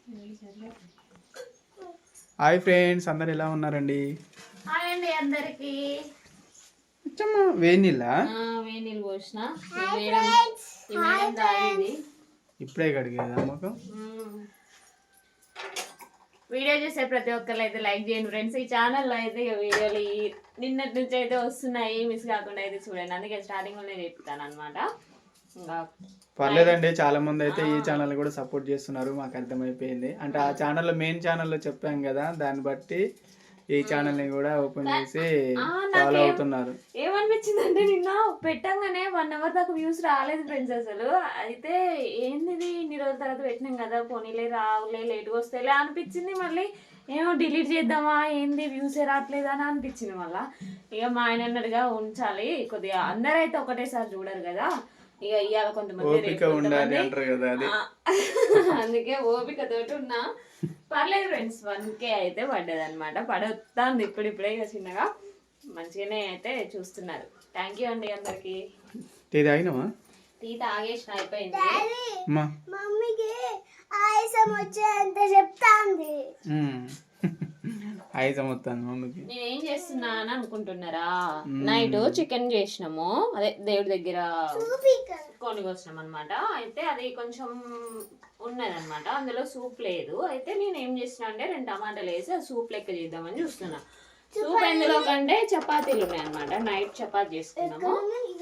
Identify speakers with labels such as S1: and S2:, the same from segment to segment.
S1: Hi friends, అందరు ఎలా ఉన్నారండి?
S2: హాయ్ అండి అందరికి.
S1: వేణిల్లా
S2: వేణీళ్ళు పోసిన
S1: ఇప్పుడే కడిగేదా ముఖం.
S2: వీడియో చూసే ప్రతి ఒక్కరు అయితే లైక్ చేయండి ఫ్రెండ్స్. ఈ ఛానల్లో అయితే వీడియోలు నిన్నటి నుంచి అయితే వస్తున్నాయి, మిస్ కాకుండా అయితే చూడండి. అందుకే స్టార్టింగ్ లోనే చెప్తాను అనమాట.
S1: పర్లేదండి, చాలా మంది అయితే ఈ ఛానల్ కూడా సపోర్ట్ చేస్తున్నారు, మాకు అర్థమైపోయింది. అంటే ఆ ఛానల్లో మెయిన్ ఛానల్లో చెప్పాం కదా, దాన్ని బట్టి ఈ ఛానల్ ని కూడా ఓపెన్ చేసి ఫాలో అవుతున్నారు.
S2: ఏమనిపించింది అంటే నిన్న పెట్టంగానే 1 hour దాకా వ్యూస్ రాలేదు ఫ్రెండ్స్ అసలు. అయితే ఏంది ఇన్ని రోజుల తర్వాత పెట్టినాం కదా, పోనీలే రావులే లేట్గా వస్తేలే అనిపించింది. మళ్ళీ ఏమో డిలీట్ చేద్దామా ఏంది వ్యూసే రావట్లేదు అని అనిపించింది. మళ్ళీ ఇక మా ఆయన అన్నట్టుగా ఉంచాలి కొద్దిగా, అందరైతే ఒకటేసారి చూడరు కదా, ఇక ఇవాళ కొంతమంది అందుకే ఓపిక తోటి ఉన్నా. పర్లేదు ఫ్రెండ్స్, 1K అయితే పడ్డది అనమాట. పడుతుంది ఇప్పుడిప్పుడే, ఇక చిన్నగా మంచిగానే అయితే చూస్తున్నారు. థ్యాంక్ యూ అండి అందరికి. టీ తాగేసిన అయిపోయింది. నేనేం చేస్తున్నా అని అనుకుంటున్నారా, నైట్ చికెన్ చేసినాము, అదే దేవుడి దగ్గర కొని వచ్చినాం అనమాట. అయితే అది కొంచెం ఉన్నదనమాట, అందులో సూప్ లేదు. అయితే నేను ఏం చేసిన అంటే 2 టమాటాలు వేసి ఆ సూప్ లెక్క చేద్దామని చూస్తున్నా. సూప్ ఎందులో కంటే చపాతీలు ఉన్నాయి అనమాట, నైట్ చపాతీ చేసుకున్నాము.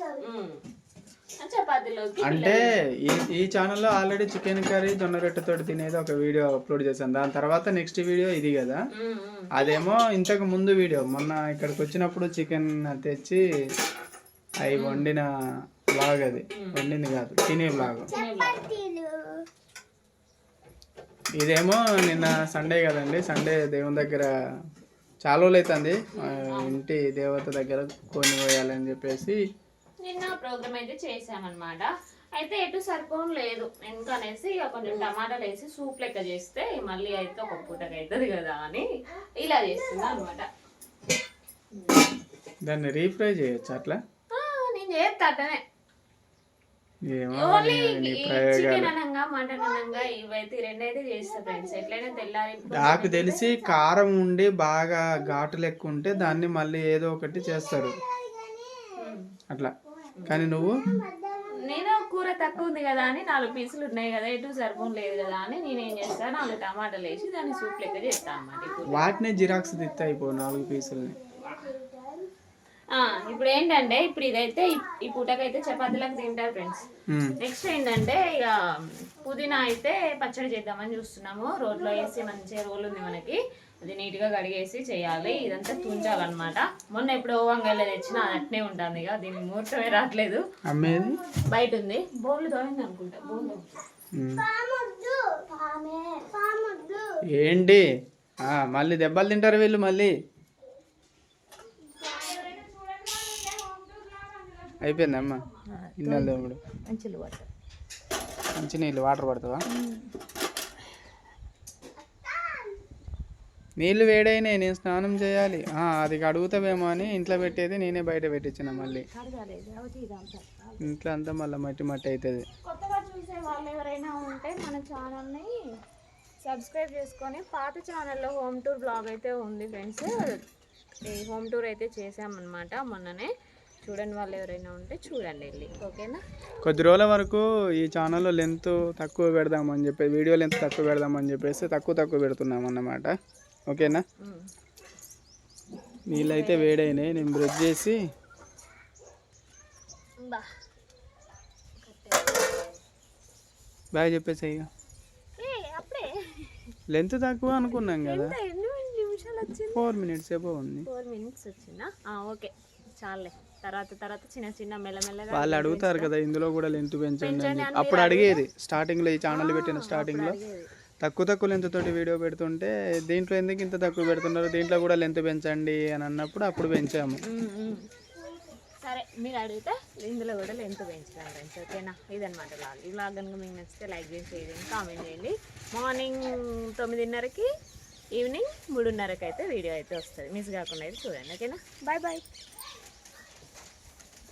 S2: చపాతీలోకి
S1: అంటే ఈ ఛానల్లో ఆల్రెడీ చికెన్ కర్రీ జొన్న రొట్టెతో తినేది ఒక వీడియో అప్లోడ్ చేశాను. దాని తర్వాత నెక్స్ట్ వీడియో ఇది కదా, అదేమో ఇంతకు ముందు వీడియో. మొన్న ఇక్కడికి వచ్చినప్పుడు చికెన్ తెచ్చి అవి వండిన బ్లాగ్, అది వండింది కాదు, తినే బ్లాగ్. ఇదేమో నిన్న సండే కదండి, సండే దేవుని దగ్గర చాలా రోజులు అవుతుంది, ఇంటి దేవత దగ్గర కొని పోయాలని చెప్పేసి
S2: నిన్న ప్రోగ్రామ్ అయితే చేసామన్నమాట. అయితే ఎటు సరిపోను లేదు ఎందుకనేసి ఇక కొంచెం టమాటాలు వేసి సూప్ లెక్క చేస్తే మళ్ళీ అయితే ఒక పూటకి అవుతుంది కదా అని ఇలా చేస్తున్నా అనమాట.
S1: దాన్ని రీఫ్రై చేయొచ్చు అట్లా?
S2: నేను చేస్తా అట్లనే. చికెన్ అనంగా మటన్ అనంగా ఇవైతే రెండైతే చేస్తా ఫ్రెండ్స్. ఎట్లయినా తెల్లారి
S1: నాకు తెలిసి కారం ఉండి బాగా ఘాటు లెక్క ఉంటే దాన్ని మళ్ళీ ఏదో ఒకటి చేస్తారు అట్లా. కానీ నువ్వు
S2: నేను కూర తక్కువ ఉంది కదా అని 4 పీసులు ఉన్నాయి కదా, ఎటు సరిపోను లేదు కదా అని నేనేం చేస్తాను 4 టమాటాలు వేసి దాన్ని సూప్ లెక్క చేస్తాను అన్నమాట.
S1: వాటినే జిరాక్స్ తిత్తా అయిపో 4 పీసులని.
S2: ఇప్పుడు ఏంటంటే ఇప్పుడు ఇదైతే ఈ పూటకైతే చపాతీలకు తింటారు ఫ్రెండ్స్. నెక్స్ట్ ఏంటంటే ఇక పుదీనా అయితే పచ్చడి చేద్దామని చూస్తున్నాము. రోట్లో వేసి మంచిగా రోల్ ఉంది మనకి, అది నీట్గా కడిగేసి చేయాలి. ఇదంతా తుంచాలన్నమాట. మొన్న ఎప్పుడో వంకాయలు తెచ్చినా అది అట్నే ఉంటుంది, ఇక దీనికి ముహూర్తమే రావట్లేదు. బయట ఉంది, బోర్లు తోయింది అనుకుంటా. బోర్లు
S1: ఏంటి మళ్ళీ దెబ్బలు తింటారు వీళ్ళు. మళ్ళీ అయిపోయిందమ్మా ఇన్నెల దేవుడు. మంచి నీళ్ళు వాటర్ పడతావా? నీళ్ళు వేడైనాయి, నేను స్నానం చేయాలి. అది అడుగుతావేమో అని ఇంట్లో పెట్టేది నేనే బయట పెట్టించిన. మళ్ళీ ఇంట్లో అంతా మళ్ళీ మట్టి మట్టి అవుతుంది.
S2: కొత్తగా చూసే వాళ్ళు ఎవరైనా ఉంటే మన ఛానల్ని సబ్స్క్రైబ్ చేసుకొని, పాత ఛానల్లో హోమ్ టూర్ బ్లాగ్ అయితే ఉంది ఫ్రెండ్స్. ఈ హోమ్ టూర్ అయితే చేసామన్నమాట మొన్ననే. చూడండి వాళ్ళు ఎవరైనా ఉంటే చూడండి వెళ్ళి, ఓకేనా?
S1: కొద్ది రోజుల వరకు ఈ ఛానల్లో లెంత్ తక్కువ పెడదామని చెప్పి, వీడియో లెంత్ తక్కువ పెడదామని చెప్పేసి తక్కువ పెడుతున్నాం అన్నమాట, ఓకేనా? నీళ్ళైతే వేడైనాయి, నేను బ్రష్ చేసి బాగా చెప్పేసి ఇక. లెంత్ తక్కువ అనుకున్నాం కదా, 4 minutes ఏమో ఉంది.
S2: 4 minutes వచ్చిందా? ఓకే చాలే. తర్వాత చిన్న మెల్లమెల్లగా
S1: వాళ్ళు అడుగుతారు కదా ఇందులో కూడా లెంత్ పెంచండి అని. అప్పుడు అడిగేది స్టార్టింగ్లో, ఈ ఛానల్ పెట్టిన స్టార్టింగ్లో తక్కువ లెంత్ తోటి వీడియో పెడుతుంటే దీంట్లో ఎందుకు ఇంత తక్కువ పెడుతున్నారు, దీంట్లో కూడా లెంత్ పెంచండి అని అన్నప్పుడు అప్పుడు పెంచాము.
S2: సరే మీరు అడిగితే ఇందులో కూడా లెంత్ పెంచుతాను ఫ్రెండ్స్, ఓకేనా? ఇదనమాట బ్లాగ్. ఈ బ్లాగ్ కనుక మీకు నచ్చితే లైక్ చేసి కామెంట్ చేయండి. మార్నింగ్ 9:30కి, ఈవినింగ్ 3:30కి అయితే వీడియో అయితే వస్తుంది, మిస్ కాకుండా అయితే చూడండి, ఓకేనా? బాయ్.